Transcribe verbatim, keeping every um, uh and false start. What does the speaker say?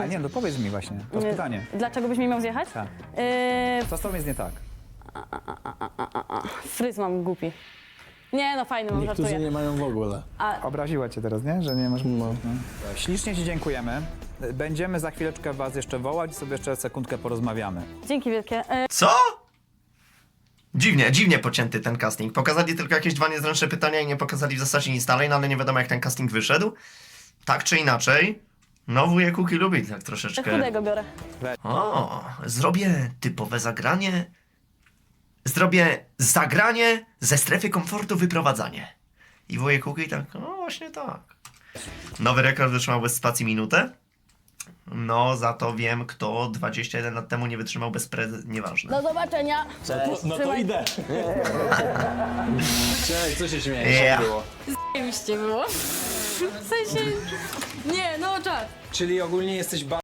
A nie, no powiedz mi właśnie, to jest pytanie. Dlaczego byś mi miał zjechać? Tak. Yy, Co z tobą jest nie tak? fryz mam głupi. Nie no, fajny mam, Niektórzy żartuję. nie mają w ogóle. Obraziła cię teraz, nie? Że nie masz... No. Ślicznie ci dziękujemy. Będziemy za chwileczkę was jeszcze wołać i sobie jeszcze sekundkę porozmawiamy. Dzięki wielkie. Yy, Co? Dziwnie, dziwnie pocięty ten casting. Pokazali tylko jakieś dwa niezręczne pytania i nie pokazali w zasadzie nic dalej, no ale nie wiadomo jak ten casting wyszedł. Tak czy inaczej, no wujek Kuki lubi tak troszeczkę... chudego biorę. O, zrobię typowe zagranie. Zrobię zagranie ze strefy komfortu wyprowadzanie. I wujek Kuki tak, no właśnie tak. Nowy rekord wytrzymał bez spacji minutę. No, za to wiem, kto dwadzieścia jeden lat temu nie wytrzymał bez pre... Nieważne. Do zobaczenia. No to Trzymaj. idę. Cześć, co się śmiejesz? Yeah. Jak było? Zajebiście było. W sensie... Nie, no czas. Czyli ogólnie jesteś